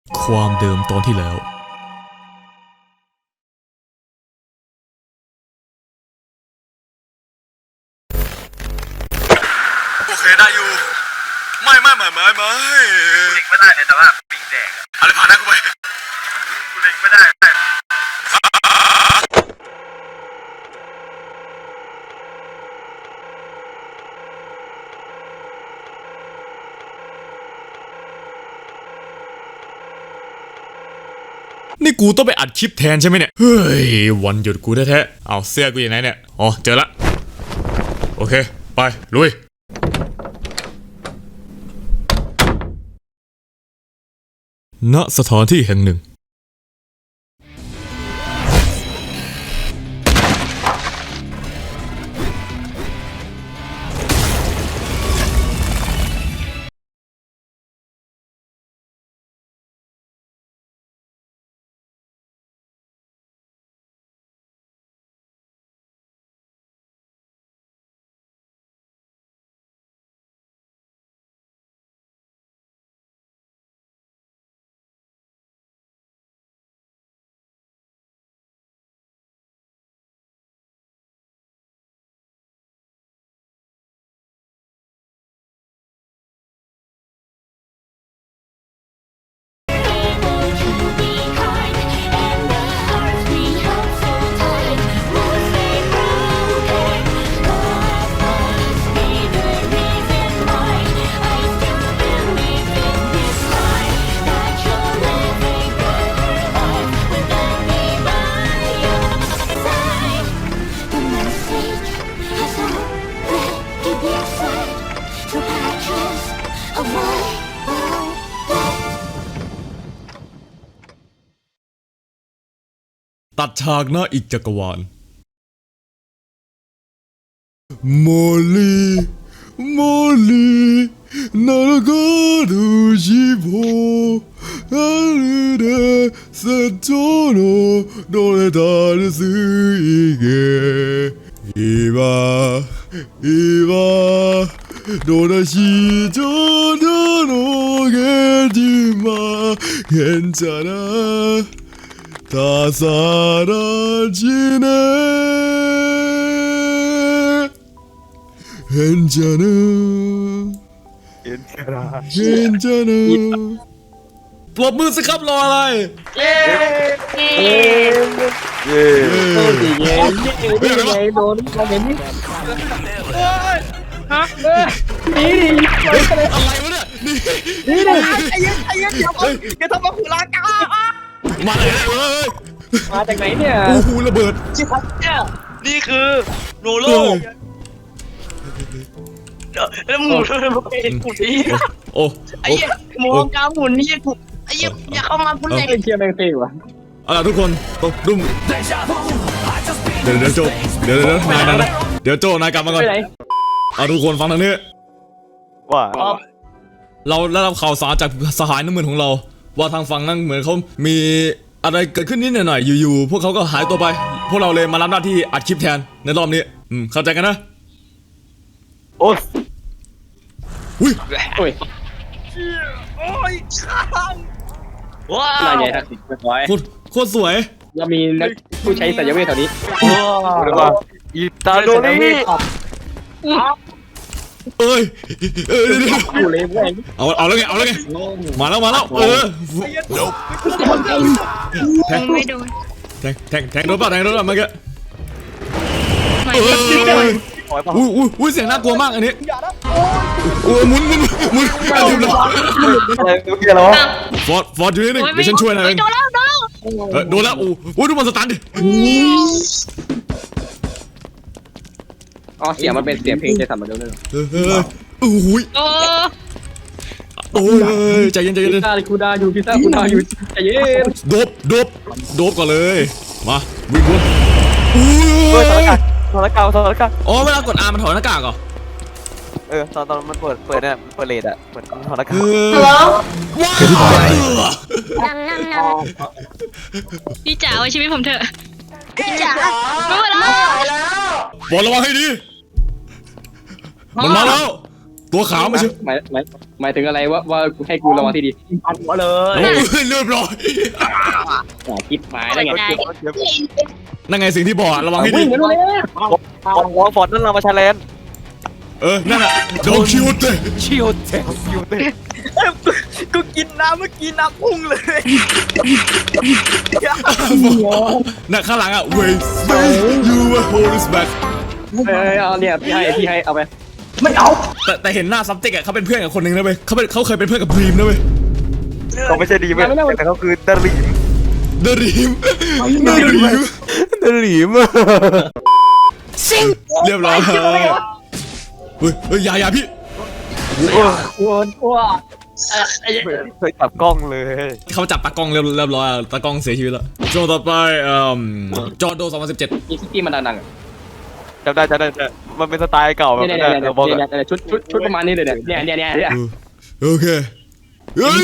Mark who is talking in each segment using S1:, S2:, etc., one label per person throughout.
S1: ความเดิมตอนที่แล้วโอเคได้อยู่ไม่กูเล็งไม่ได้เลยแต่ว่าปิงแดงอะไรผ่านหน้ากูไปกูเล็งไม่ได้นี่กูต้องไปอัดคลิปแทนใช่ไหมเนี่ยเฮ้ยวันหยุดกูแท้ๆเอาเสื้อกูอยู่ไหนเนี่ยอ๋อเจอละโอเคไปลุยณสถานที่แห่งหนึ่งตัดฉากหน้าอีกจักรวาลโมลีนาฬิกาดูชิโบอาริเดเซโจโนโดเลตาลซึอิเกอีวาโดนาชิโจโดโนเกจิมาเห็นจานะ다 사라지네 괜찮아ปรบมือสิครับรออะไร
S2: เย้โดนมาเห็นนี่ฮะ
S1: อะไรวะเนี่ย
S2: นี่ไอ้ยันเดี๋ยวแกทำมาขุลากา
S1: มาเลย
S2: มาจากไหนเนี่ย
S1: โอ้โหระเบิด
S2: ชิคัสเนี่ยนี่คือโนโลแล้วหมุนมันเป็นหมุนนี่
S1: โอ้
S2: ไอ้หมุนกาหมุนนี่ถูกไอ้อย่าเข้ามาพุ่นใจเชียร์แมงเต้วะ
S1: เอาล่ะทุกคนดุ้มเดี๋ยวโจเดี๋ยวโจนายกลับมาก่อนเอาทุกคนฟังทางนี้
S3: ว่า
S1: เราได้รับข่าวสารจากสหายน้ำเงินของเราว่าทางฝั่งนั้นเหมือนเขามีอะไรเกิดขึ้นนิดหน่อยอยู่ๆพวกเขาก็หายตัวไปพวกเราเลยมารับหน้าที่อัดคลิปแทนในรอบนี้เข้าใจกันนะ
S3: โอ้ย
S1: อุ้ย
S2: โอ้ยข้างว้าวน่าใหญ่ทักษิณเรียบร้อย
S1: โคตรสวย
S2: เรามีนักผู้ใช้สัญญาเวทแถวนี้
S3: หรือว่าอีตาโดนี่
S1: เอ้ยเอาแล้วไงมาแล้วแทงไม่โดนแทงโดนป่ะเมื่อกี้อุ้ยเสียงน่ากลัวมากอันนี้โอ้หมุน
S3: อะไรเมื่อกี้แล้ว
S1: ฟอร์ดอยู่นี่เดี๋ยวฉันช่วยนายเองโดนแล้วโอ้ดูมันสตันดิ
S2: อ๋อเสียงมันเป็นเสียงเพลงจะทำมาเรื่อย
S1: โอ้ยใจเย็น
S2: พิซซ่าคูดาอยู่ใจเย็น
S1: โดบก่อนเลยมาวิ่งวน
S3: ถอดหน้ากาก
S1: อ๋อเวลากด R มันถอดหน้ากากเหรอ
S3: ตอนมันเปิดเนี่ยเปิดเลดอ่ะเปิดถอดหน้ากาก
S4: พี่จ๋าไว้ชีวิตผมเถอะพี่จ๋ารู้แล้ว
S1: บอกระวังให้ดีมันมาแล้วตัวขาวไม่ใช่
S5: หมายถึงอะไรว่าให้กูระวังที่ดี
S2: ปัดหัวเลย
S1: โอ้ยเรียบร้อย
S5: คิดหมายได้ไง
S1: นั่นไงสิ่งที่บอกอะระวังให้ดี
S5: วิ่งกันเลย
S3: วอลฟอร์ดนั่นเรามาชาเลน
S1: นั่นน่ะโดนคิวเตะ
S3: ชิวเต็มชิวเต็ม
S2: กูกินน้ำเมื่อกี้น้ำพุ่งเลย
S1: น่ะข้างหลังอ่ะ wait you will hold this back
S5: เอาเนี่ยพี่ให้เอาไป
S2: ไม่เอา
S1: แต่เห็นหน้าซับเต็กอ่ะเขาเป็นเพื่อนกับคนหนึ่งนะเว้ยเขาเคยเป็นเพื่อนกับดรีมนะเว้ย
S3: เขาไม่ใช่ดีไหมแต่เขาคือดาริม
S1: เดรีมเรียบร้อยเฮ้ยอย่าพี่
S3: เคยจับกล้องเลย
S1: เขาจับตากล้องเรียบร้อยอะตากล้องเสียชีวิตแล้วโจต่อไปจอร์โด2017
S5: อีซิตี้มันดังๆ
S3: จำได้มันเป็นสไตล์เก่าแบบ
S5: เนี่ย
S3: นั้นเราบอก
S5: ชุดประมาณนี้เลยเนี่ย
S1: โอเคเฮ้ย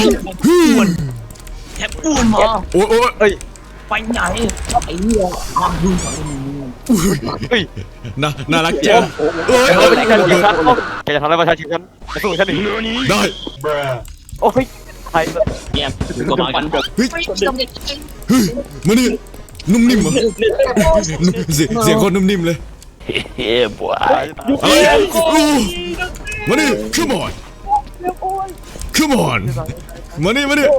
S2: แทบอ้วนหมอ
S1: โอ้ย
S3: เฮ้ย
S2: ไปไหนไอ้เหี้ยความดูของมึง
S3: เฮ้ย
S1: น่ารักจังเอ้ย
S3: เราไม่ใช่การยิงครับแกจะทำอะไรประชาชนกันจะสู้ฉันอีก
S1: ได้
S3: โอ้ยใคร
S2: เนี่ยกูมากัน
S1: เฮ้ยมานี่นุ่มนิ่มเหรอเสียงคนนุ่มนิ่มเลย
S2: เฮ้ยบัว
S1: อะไรมานี่ come on come on มานี่ไปไหน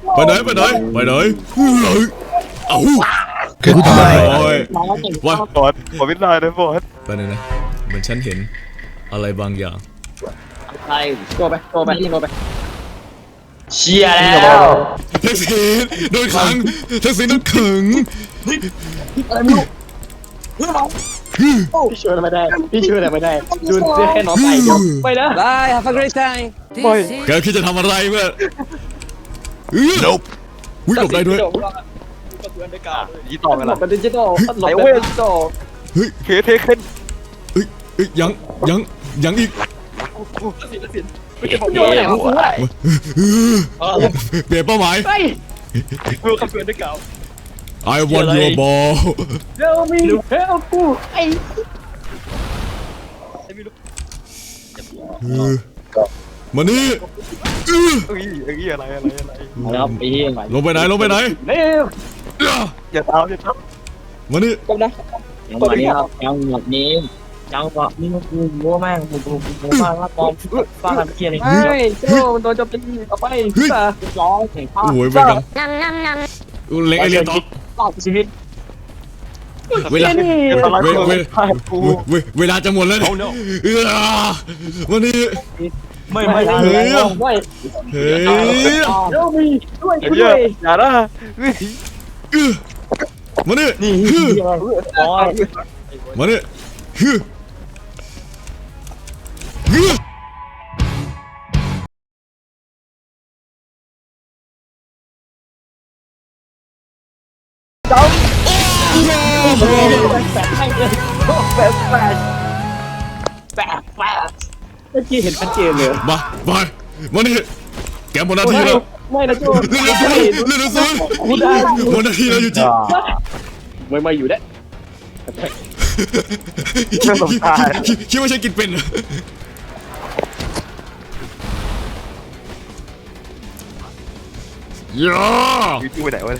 S1: เอาโอ้ยว่า
S3: บอสผมไม่ได้นะบอส
S1: ไปไหนนะเหมือนฉันเห็นอะไรบางอย่าง
S2: ใช่
S5: โกไป
S2: เชียร์แล้ว
S1: แท็กซี่โดนขังแท็กซี่โดนขัง
S2: อะไรไม่รู้
S5: พี่ช่วยอะไรไม่ได้ดูแค่น้องไก่เดียวไปนะ
S6: Bye, have a great time.
S3: ไม่
S1: แกคิดจะทำอะไรเมื่อวิ่งหลบได้ด้วย
S3: ยี่ต่อกันละ
S5: เป็นดิจิตอล
S3: ไหนเว้ย
S1: เฮ้ย
S3: เคเทเคน
S1: ยังอีก
S5: โยนไหนวะ
S1: เปลี่ยนเป้าหมาย
S3: มือขับเพื่อนด้วยเก่า
S1: I want your ball
S5: เร็วมีเร็วกูไอ้
S1: มานี่
S3: เอ้ยอะไร
S2: ครับไอ้เหี้ย
S1: ลงไปไหน
S5: เร็ว
S3: อย่าเท้า
S1: มานี่
S5: จบนะ
S2: ยังวันนี้ครับยังหมดนี้ยังแบบนี่กูมัวแม่งกูว่าว่าปอมฟ้าทำเกียร์อะไร
S5: ไม่โจ้มันโดนโจมตีเอาไปจ้า
S2: ร้องเห็นภาพ
S1: โอ้ยไปกันเล็กไอเลียนต่อ
S2: รอบชีวิต
S1: เวลาเวลาจะหมดแล้วมานี่
S2: ไม่
S5: ไม่
S1: เฮ้ย
S5: ไม่
S1: เฮ้ย
S5: เร็วมีด้วย
S3: อย่าอย่านะ
S1: มานี่
S2: นี่อ๋อ
S1: มานี่
S2: แปะ
S5: เมื่อกี้เห็นชัดเจนเลย
S1: มานี่แกหมดหน้าที่แล้ว
S5: ไม่นะโจ้
S1: เรื่องซูนหมดหน้าที่แล้วอยู่จริง
S5: ไม่อยู่ได้
S1: คิดว่าฉันกินเป็นย่า
S3: อยู่ไปไหนวะ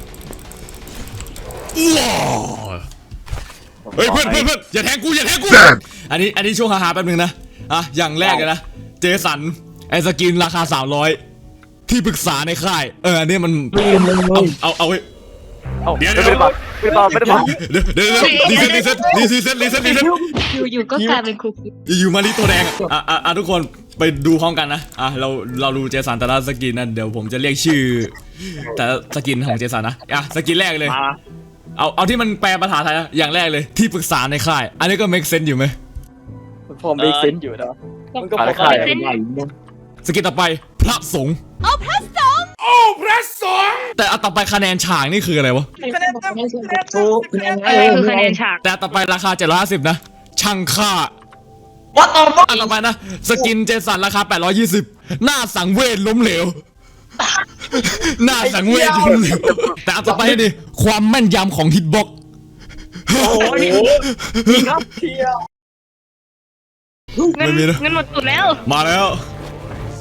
S1: เฮ้ยเพื่อนอย่าแทงกูอันนี้ช่วงฮาๆแป๊บนึงนะอย่างแรกเลยนะเจสันไอสกินราคา300ที่ปรึกษาในค่ายอันนี้มันเอาไว้เดี๋ยว
S3: ไม่ได้บอก
S1: เดี๋ยวรีเซ็ต
S4: อยู่ก็กลายเป็นคุก
S1: อยู่มาลิตัวแดงทุกคนไปดูพร้อมกันนะเราดูเจสันแต่ละสกินนะเดี๋ยวผมจะเรียกชื่อแต่ละสกินของเจสันนะสกินแรกเลยเอาที่มันแปลภาษาไทยอย่างแรกเลยที่ปรึกษาในค่ายอันนี้ก็ make sense อยู่ไหม
S5: พอมีเซนอยู่นะมันก็พอ
S1: สกินต่อไปพระสงฆ์พระสงฆ์แต่ต่อไปคะแนนฉากนี่คืออะไรวะ
S2: ถูก
S4: คือคะแนนฉาก
S1: แต่ต่อไปราคา750นะช่างค่า
S2: ว่าต่อมา
S1: ต่อไปนะสกินเจสันราคา820หน้าสังเวชล้มเหลวหน้าสังเวชล้มเหลวแต่ต่อไปนี่ความแม่นยำของฮิตบ็อก
S2: โอ้ยครับเชียร์
S1: ไม่มีนะ
S4: เงินหมดสุดแล้ว
S1: มาแล้ว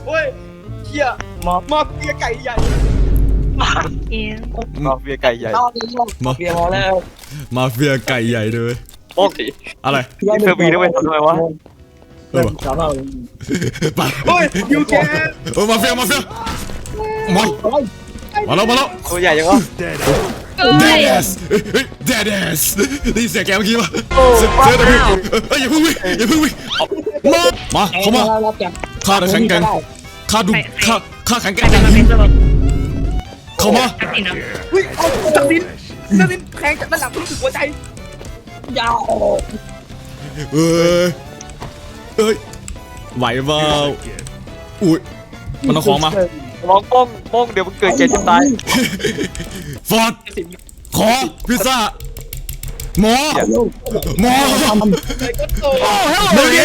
S5: โอ้ยเชี่ย
S2: มอบ
S5: มาเฟียไก่ใหญ่
S4: เอ๊ะ
S3: มาเฟียไก่ใหญ่
S2: เบียร์มาแล้ว
S1: มาเฟียไก่ใหญ่เลย
S3: โป๊ก
S1: อะไร
S3: นี่เธอมีด้วยทำไมวะ
S1: เออ
S2: สาวเรา
S1: ไป
S5: โอ้ยยูแก
S1: มาเฟียมามาแล้วมาแล้ว
S3: ตัวใหญ่ยังวะ
S4: เอ้ย
S1: Deadass เฮ้ย Deadass ได้ยินเสียงแกเมื่อกี้ป่ะเสียงตะกี้อย่าเพิ่งวิ่งอย่าเพิ่งวิ่งมาเข้ามาข้าจะแข็งแกร่งข้าดูข้าแข็งแกร่ง
S4: แต่มันเป็นระบบ
S1: เข้ามา
S4: ทักษิณเนาะ
S5: เฮ้ยตัดสินแทงจากด้านหลังรู้สึกหัวใจ
S2: ยาว
S1: เอ้ยไหวเปล่าอุ้ยมันเอาของมา
S3: ลองป้องเดี๋ยวมึงเกิดเจ็บจะตาย
S1: ฟอร์ดขอพิซซ่าหมอ
S5: เลยก็โต
S1: เดี๋ยว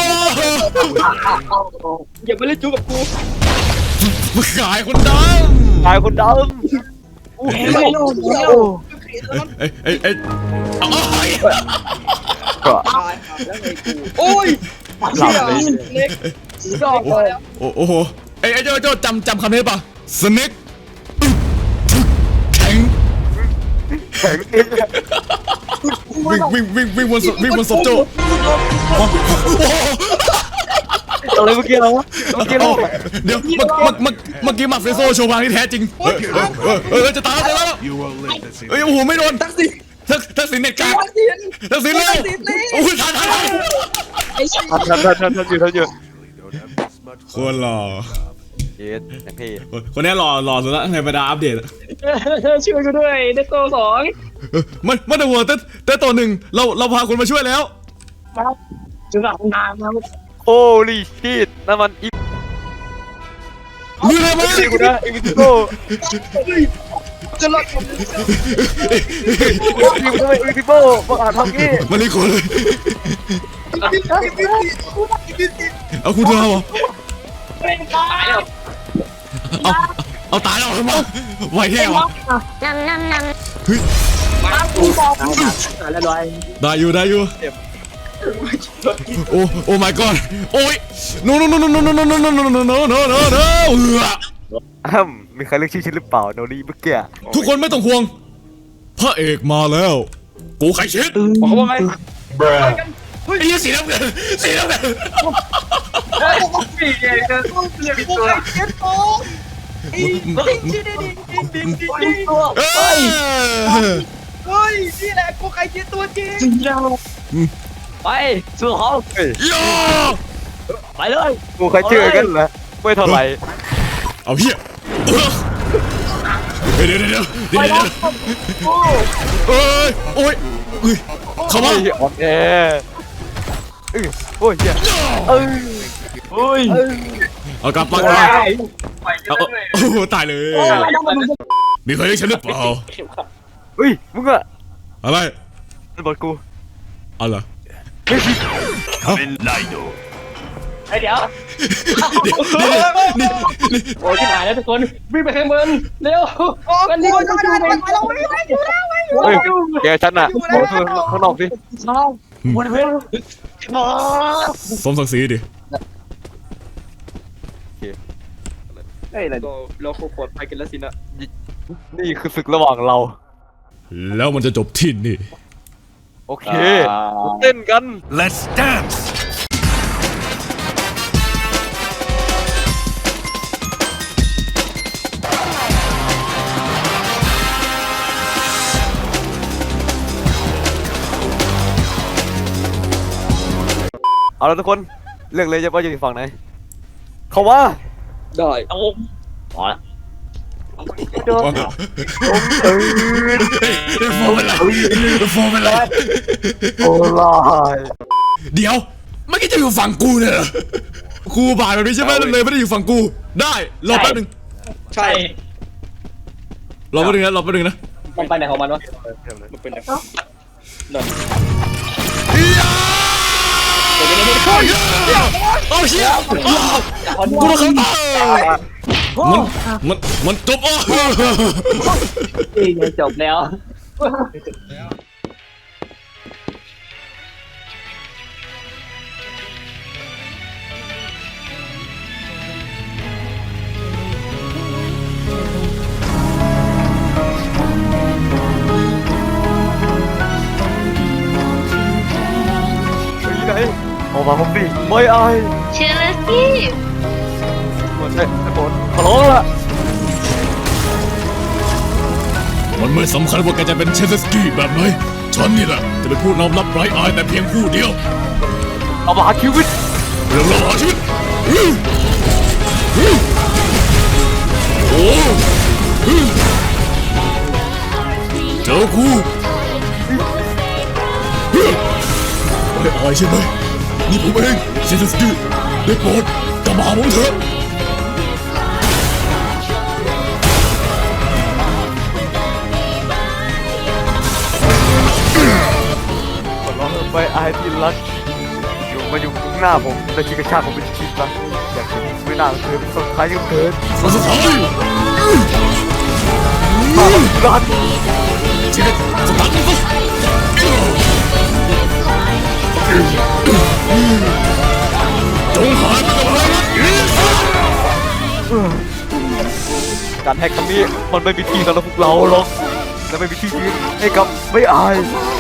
S5: อย่าไปเล่นจู้กับกู
S1: มึงขายคนด
S3: ตายคนด
S2: โอ้ยไม่รู้
S1: เอ้ยเอา
S3: ำก็
S5: ตายแล้วไงกูโอ้ยเชี่ยเล็กดอกแล้ว
S1: โอ้โหไอ้โจ้จำคำนี้ป่ะสเน็กแข็ง
S3: แข็ง
S1: วิ่งบนศพโจ้โอ้โห
S3: อะไรเมื่อกี้เราวะเมื่อกี้เรา
S1: เดี๋ยวเมื่อกี้มาเฟโซโชว์พลังที่แท้จริงจะตายแล้ว
S6: You will live to see
S1: เอ้ยโอ้โหไม่โดน
S5: ตักสิ
S1: ทักษิณเน็ตกาก
S5: ตักสิน
S1: ทักษิณเลยโอ้ยทัน
S3: ทันอยู่
S6: don't have this much
S1: คนหล่อ
S3: เย็ดอย่างที่
S1: คนนี้หล่อสุดละในบรรดาอัปเดต
S2: ช่วยกูด้วยได้โตสอง
S1: มันแต่หัวแต่ตัวหนึ่งเราพาคนมาช่วยแล้ว
S2: จุดหลังนานนะ
S3: โอ้ลีชีตนั่นมันอี
S1: มืออะไรมา
S3: กูนะอีวิโก้
S5: จะรอดผม
S3: อีวิโก้บอกอ่านทำงี้
S1: มันนี่คนเลย
S5: อีพีซี
S1: เอาคุณเธอเหรอ
S2: เป็นตายแล้ว
S1: เอาตายแล้วมาไหวแค่วะ
S2: มากูบอกแล้วลอย
S1: ได้อยู่โอ้ my god โอ้ย no
S3: มีใครเรียกชื่อฉันหรือเปล่าโนนี่เมื่อกี้
S1: ทุกคนไม่ต้องห่วงพระเอกมาแล้วกูไข่เช็ด
S5: บอกเขาว่าไง
S1: ไอ้ยี่สีน้ำเงิน
S2: ปีเองก็เรียกตัว
S5: เจ็ดโตตัว
S1: เอ้ย
S5: เฮ้ยนี่แหละกูใครเจ็ดตัวจริง
S2: จริงจังไปสู้เขา
S1: ย่า
S2: ไปเลย
S3: กูใครชื่อกันเหรอไม่เท่าไหร่
S1: เอาเฮียเดี๋ยวโอ้ยเข้ามา
S3: อ่อนแอโอ้ยเหี้ย
S2: โอ้ย
S1: เอากลับมา
S2: ไป
S1: โอ้โหตายเลย มีใครเรียกฉันหรือเปล่า
S3: เฮ้ยมึงอะ
S1: อะไร
S3: มันบอกกู
S1: เอาเหรอ
S6: Kamen Rider.
S2: เดี๋ยว
S1: นี่
S2: โอ้ยที่หายแล้วทุกคนวิ่งไปข้างบนเร็ว
S5: โอ้
S2: วัน
S5: ย
S2: นี้
S5: โอ้
S2: ก็
S5: ย
S2: จะ
S5: ได้
S2: เป็น
S5: ไปเราไม่ได้อยู่แล้ว
S3: เฮ้ยแกฉันอะข้างนอกสิ
S2: น้องวันเว้น
S1: สมศักดิ์ศรีดิ
S5: เฮ้ยเราโคตรไปกันแล้วสินะ
S3: นี่คือศึกระหว่างเรา
S1: แล้วมันจะจบที่นี่
S3: โอเคเต้นกัน
S6: Let's dance.
S3: เอาละทุกคนเลือกเลยจะว่าจะอยู่ฝั่งไหนเขาว่า
S5: ได้
S2: เอาพอละ
S3: โดน
S1: โฟมอะไรโฟมอะไร
S3: โอ้ลาย
S1: เดี๋ยวเมื่อกี้จะอยู่ฝั่งกูเนี่ยเหรอกูบาดแบบนี้ใช่ไหมเลยไม่ได้อยู่ฝั่งกูได้รอแป๊บนึง
S5: ใช่
S1: รอแป๊บนึงนะ
S2: มันไปไหนของมันวะ
S5: มันเป็นแบบ
S1: โอ้เชี่ยกูโดนเขาตายมันจบอ๋อ
S2: จบแล้ว
S3: อกมาผมสิไม่อาย
S4: เชลซี่
S3: หมดเลยไอ้โบนขอร้องละ
S1: มันไม่สำคัญว่าแกจะเป็นเชสสกี้แบบไหนฉันนี่แหละจะเป็นผู้นำรับไร้อายแต่เพียงผู้เดียว
S3: เอามาหาชีวิต
S1: เรื่องราวชีวิตโอ้เจอกูไม่อายใช่ไหมนี่ผมเองเชสสกี้ได้โปรดกลับมาหาผมเถอะ
S3: ขอร้องไม่อายที่รักอยู่มาอยู่ข้างหน้าผมและชิกระชากผมเป็นชิ้นละอยากจะไม่น่าเธอเป็นสุดท้ายกับเธอ
S1: สุดท้าย
S3: รัก
S1: ชีวิตสตาร์ทมันจงหายไปกับอะไรนะ
S3: การแฮกครั้งนี้มันไม่มีที่สำหรับพวกเราหรอกและไม่มีที่ยืนให้กับไม่อาย